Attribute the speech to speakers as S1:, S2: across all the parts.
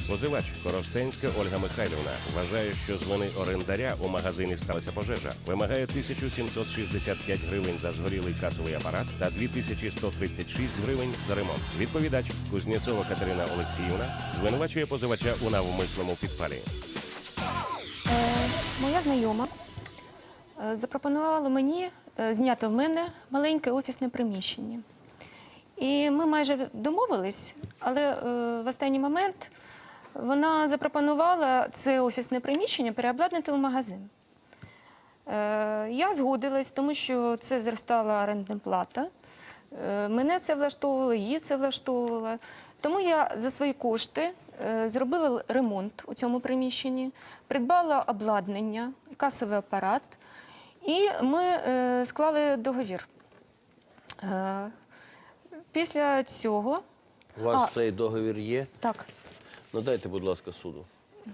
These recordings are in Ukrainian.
S1: Позивач Коростенська Ольга Михайлівна вважає, що з вини орендаря у магазині сталася пожежа. Вимагає 1765 гривень за згорілий касовий апарат та 2136 гривень за ремонт. Відповідач Кузнєцова Катерина Олексіївна звинувачує позивача у навмисному підпалі.
S2: Моя знайома запропонувала мені зняти в мене маленьке офісне приміщення. І ми майже домовились, але в останній момент вона запропонувала це офісне приміщення переобладнати в магазин. Я згодилась, тому що це зростала орендна плата. Мене це влаштовувало, її це влаштовувало. Тому я за свої кошти зробила ремонт у цьому приміщенні, придбала обладнання, касовий апарат, і ми склали договір. Після цього...
S3: У вас цей договір є?
S2: Так.
S3: Надайте, будь ласка, суду.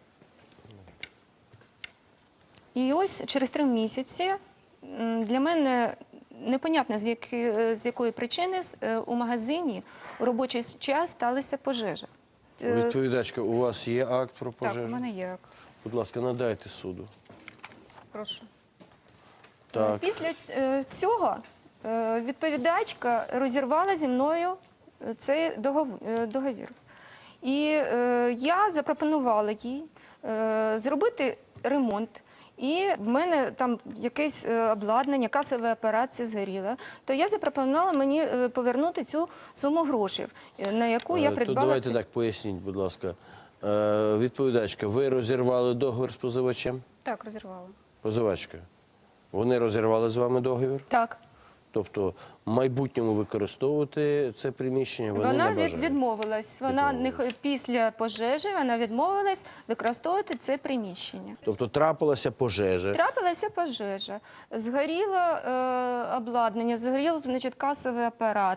S2: І ось через 3 місяці для мене непонятно, з якої причини у магазині у робочий час сталася пожежа.
S3: Відповідачка, у вас є акт про пожежу?
S4: Так, у мене є акт.
S3: Будь ласка, надайте суду.
S4: Прошу.
S3: Так.
S2: Після цього відповідачка розірвала зі мною цей договір. І я запропонувала їй зробити ремонт. І в мене там якесь обладнання, касовий апарат, це згоріло. То я запропонувала мені повернути цю суму грошей, на яку я придбала.
S3: Давайте так, поясніть, будь ласка. Відповідачка, ви розірвали договір з позивачем?
S4: Так, розірвала.
S3: Позивачка, вони розірвали з вами договір?
S2: Так.
S3: Тобто в майбутньому використовувати це приміщення вони не бажають?
S2: Вона відмовилась. Після пожежі вона відмовилась використовувати це приміщення.
S3: Тобто трапилася пожежа?
S2: Трапилася пожежа. Згоріло обладнання, згорів, значить, касовий апарат,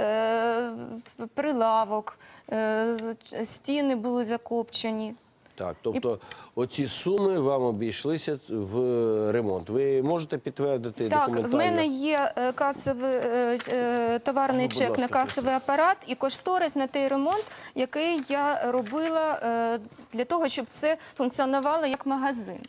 S2: прилавок, стіни були закопчені.
S3: Так, тобто оці суми вам обійшлися в ремонт. Ви можете підтвердити документально?
S2: Так, в мене є товарний чек на касовий апарат і кошторис на той ремонт, який я робила для того, щоб це функціонувало як магазин.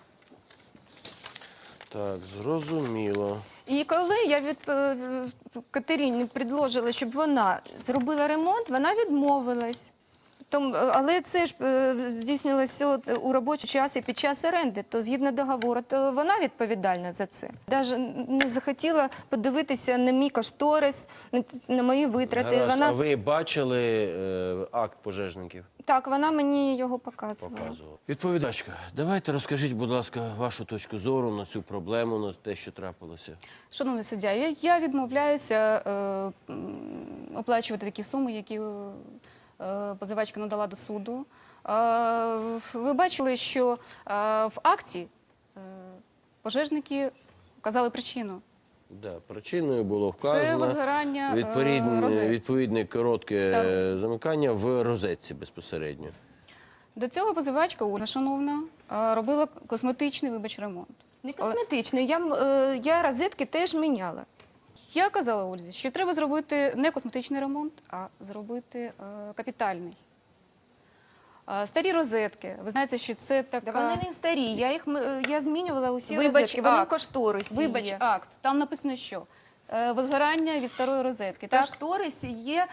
S3: Так, зрозуміло.
S2: І коли я Катерині предложила, щоб вона зробила ремонт, вона відмовилась. Але це ж здійснилося у робочий час і під час оренди, то згідно договору, то вона відповідальна за це. Навіть не захотіла подивитися на мій кошторис, на мої витрати.
S3: Гаразд. А ви бачили акт пожежників?
S2: Так, вона мені його показувала.
S3: Відповідачка, давайте розкажіть, будь ласка, вашу точку зору на цю проблему, на те, що трапилося.
S4: Шановний суддя, я відмовляюся оплачувати такі суми, які позивачка надала до суду. Ви бачили, що в акті пожежники вказали причину.
S3: Да, причиною було вказано
S4: Це возгорання
S3: відповідне коротке замикання в розетці безпосередньо.
S4: До цього позивачка Ольга, шановна, робила косметичний, ремонт.
S2: Не косметичний, я розетки теж міняла.
S4: Я казала Ользі, що треба зробити не косметичний ремонт, а зробити капітальний. Старі розетки, ви знаєте, що це така...
S2: Да вони не старі, я змінювала усі розетки, вони в кошторисі є.
S4: Вибач, акт, там написано що? Возгорання від старої розетки.
S2: В кошторисі є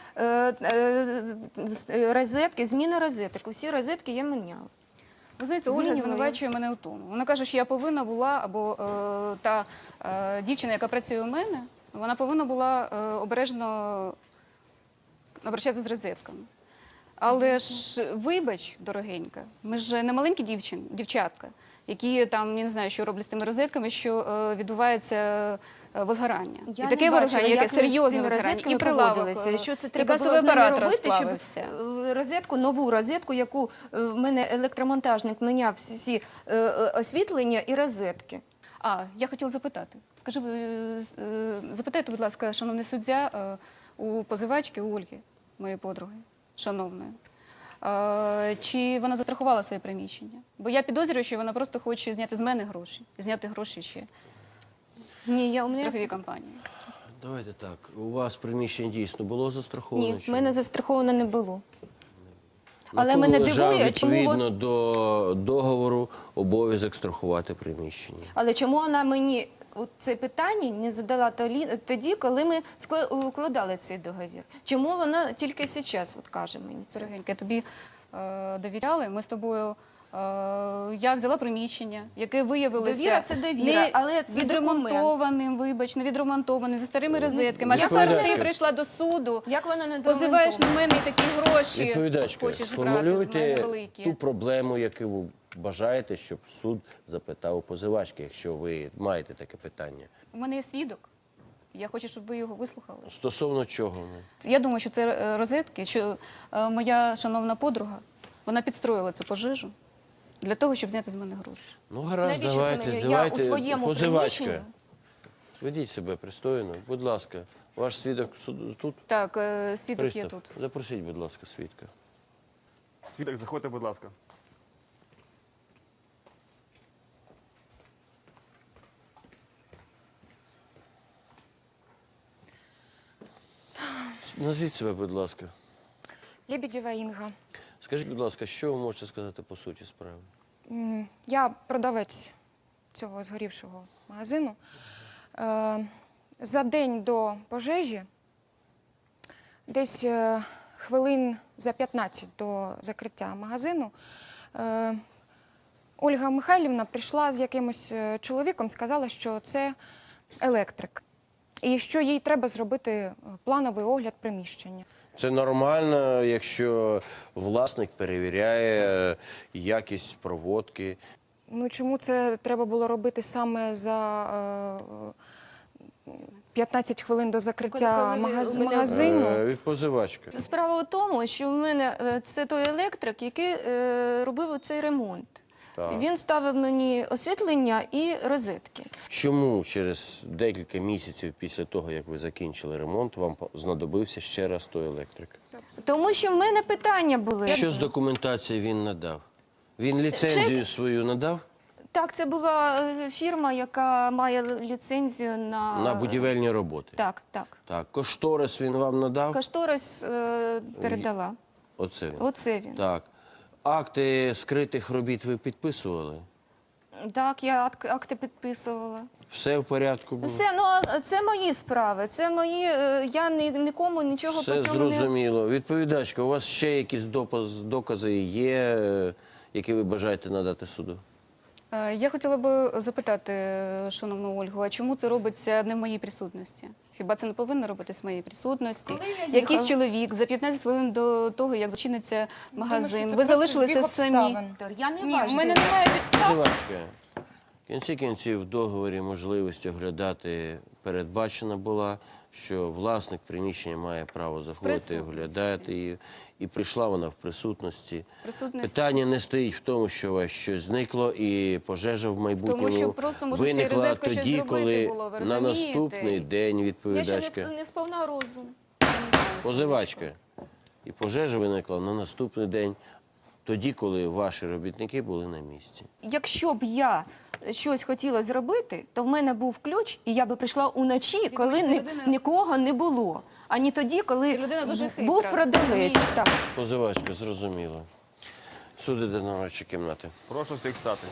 S2: розетки, зміна розеток, усі розетки я міняла.
S4: Ви знаєте, Ольга звинувачує мене у тому. Вона каже, що я повинна була, або та дівчина, яка працює у мене, вона повинна була обережно обращатися з розетками. Але ж, вибач, дорогенька, ми ж не маленькі дівчатка, які там, я не знаю, що роблять з тими розетками, що відбувається возгорання.
S2: Я
S4: і таке возгорання, яке серйозне возгорання, і прилавок,
S2: що це
S4: і
S2: треба було
S4: касовий апарат
S2: робити, щоб
S4: розплавився.
S2: нову розетку, яку в мене електромонтажник міняв всі освітлення і розетки.
S4: Я хотіла запитати. Запитайте, будь ласка, шановний суддя, у позивачки, у Ольги, моєї подруги, шановної, чи вона застрахувала своє приміщення? Бо я підозрюю, що вона просто хоче зняти з мене гроші, і зняти гроші ще в страховій компанії.
S3: Давайте так, у вас приміщення дійсно було застраховане?
S2: Ні, в мене застраховано не було. Але
S3: На
S2: мене
S3: кому лежав,
S2: дивує, чому
S3: відповідно до договору, обов'язок страхувати приміщення.
S2: Але чому вона мені це питання не задала тоді, коли ми укладали цей договір? Чому вона тільки зараз каже мені це?
S4: Дорогенька, тобі довіряли. Ми з тобою. Я взяла приміщення, яке виявилося
S2: Довіра – це довіра, але це
S4: відремонтованим, вибач, не відремонтованим, зі старими розетками. А тепер
S3: Відповідачка.
S4: ти прийшла до суду,
S2: Як вона не
S4: позиваєш на мене і такі гроші
S3: Відповідачка,
S4: хочеш брати з мене
S3: сформулюйте
S4: великі.
S3: ту проблему, яку ви бажаєте, щоб суд запитав у позивачки, якщо ви маєте таке питання.
S4: У мене є свідок. Я хочу, щоб ви його вислухали.
S3: Стосовно чого?
S4: Я думаю, що це розетки, що моя шановна подруга, вона підстроїла цю пожежу для того, щоб зняти з мене гроші.
S3: Ну, гаразд,
S2: Навіщо це
S3: давайте,
S2: мені? Я
S3: давайте.
S2: у своєму
S3: Позивачка,
S2: приміщенні.
S3: ведіть себе пристойно, будь ласка. Ваш свідок тут?
S4: Так, свідок є
S3: Пристав,
S4: тут.
S3: запросіть, будь ласка, свідка.
S5: Свідок, заходьте, будь ласка.
S3: Назвіть себе, будь ласка.
S6: Лебедєва Інга.
S3: Скажіть, будь ласка, що ви можете сказати по суті справи?
S6: Я продавець цього згорівшого магазину. За день до пожежі, десь хвилин за 15 до закриття магазину, Ольга Михайлівна прийшла з якимось чоловіком, сказала, що це електрик. І що їй треба зробити плановий огляд приміщення.
S3: Це нормально, якщо власник перевіряє якість проводки.
S6: Ну, чому це треба було робити саме за 15 хвилин до закриття
S2: Коли ви- мене-
S6: магазину?
S3: Від позивачка.
S2: Справа у тому, що в мене це той електрик, який робив цей ремонт.
S3: Так.
S2: Він ставив мені освітлення і розетки.
S3: Чому через декілька місяців після того, як ви закінчили ремонт, вам знадобився ще раз той електрик?
S2: Тому що в мене питання були.
S3: Що з документацією він надав? Він ліцензію
S2: Чек.
S3: свою надав
S2: Так, це була фірма, яка має ліцензію
S3: на будівельні роботи?
S2: Так, так.
S3: Так. Кошторис він вам надав?
S2: Кошторис передала.
S3: Оце він.
S2: Оце він.
S3: Так. Акти скритих робіт ви підписували?
S2: Так, я акти підписувала.
S3: Все в порядку було?
S2: Все, ну а це мої справи, це мої, я нікому нічого
S3: Все
S2: по цьому не...
S3: зрозуміло. Відповідачка, у вас ще якісь докази є, які ви бажаєте надати суду?
S4: Я хотіла би запитати, шановну Ольгу, а чому це робиться не в моїй присутності? Хіба це не повинно робитись в моїй присутності?
S2: Коли я їхала-
S4: Якийсь чоловік за 15 хвилин до того, як зачиниться магазин,
S6: це
S4: ви
S6: просто
S4: залишилися
S6: збіг
S4: самі.
S6: обставин.
S2: Я не
S6: Ні,
S2: ваш
S6: у мене
S2: директор.
S6: немає підстав.
S3: Позивачка, в кінці кінців в договорі можливість оглядати передбачена була, що власник приміщення має право заходити і
S4: Присутності.
S3: оглядати її. І прийшла вона в присутності.
S4: Присутності.
S3: Питання не стоїть в тому, що у вас щось зникло і пожежа в майбутньому
S4: що просто, може, з цією
S3: виникла
S4: розеткою щось
S3: тоді,
S4: зробити
S3: коли
S4: було, ви
S3: на
S4: розумієте?
S3: наступний день
S2: Я
S3: відповідачка.
S2: ще не сповна розум.
S3: Позивачка. І пожежа виникла на наступний день, тоді, коли ваші робітники були на місці.
S2: Якщо б я щось хотіла зробити, то в мене був ключ, і я би прийшла уночі, коли
S4: ця людина-
S2: нікого не було. А не тоді, коли
S4: Ця людина дуже хитра,
S2: був продавець.
S4: розумієте?
S2: Так.
S3: Позивачка, зрозуміло. Суд іде на нарадчі кімнати.
S5: Прошу всіх стати.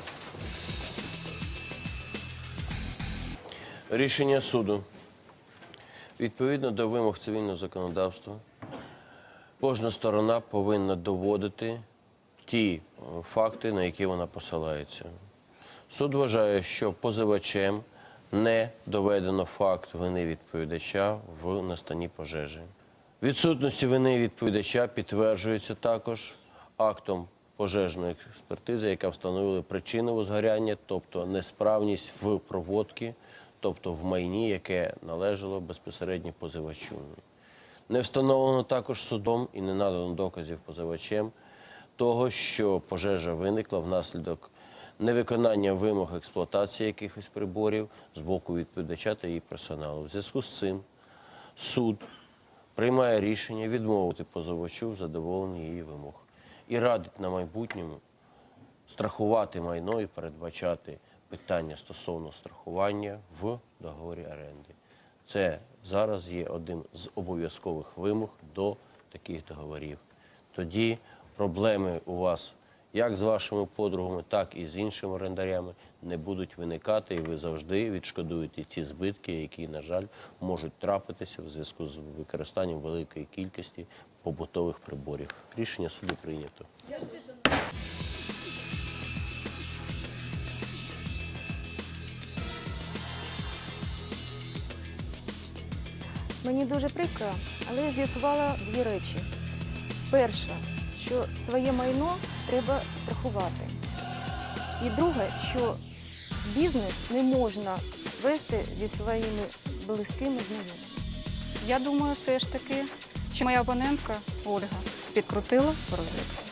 S3: Рішення суду. Відповідно до вимог цивільного законодавства, кожна сторона повинна доводити ті факти, на які вона посилається. Суд вважає, що позивачем не доведено факт вини відповідача в настанні пожежі. Відсутності вини відповідача підтверджується також актом пожежної експертизи, яка встановила причину возгоряння, тобто несправність в проводці, тобто в майні, яке належало безпосередньо позивачу. Не встановлено також судом і не надано доказів позивачем того, що пожежа виникла внаслідок невиконання вимог експлуатації якихось приборів з боку відповідача та її персоналу. В зв'язку з цим суд приймає рішення відмовити позивачу в задоволенні її вимог і радить на майбутньому страхувати майно і передбачати питання стосовно страхування в договорі оренди. Це зараз є одним з обов'язкових вимог до таких договорів. Тоді проблеми у вас як з вашими подругами, так і з іншими орендарями не будуть виникати, і ви завжди відшкодуєте ті збитки, які, на жаль, можуть трапитися в зв'язку з використанням великої кількості побутових приборів. Рішення суду прийнято.
S2: Мені дуже прикро, але я з'ясувала дві речі. Перше, що своє майно треба страхувати. І друге, що бізнес не можна вести зі своїми близькими знайомими.
S4: Я думаю, все ж таки, що моя опонентка Ольга підкрутила розгляд.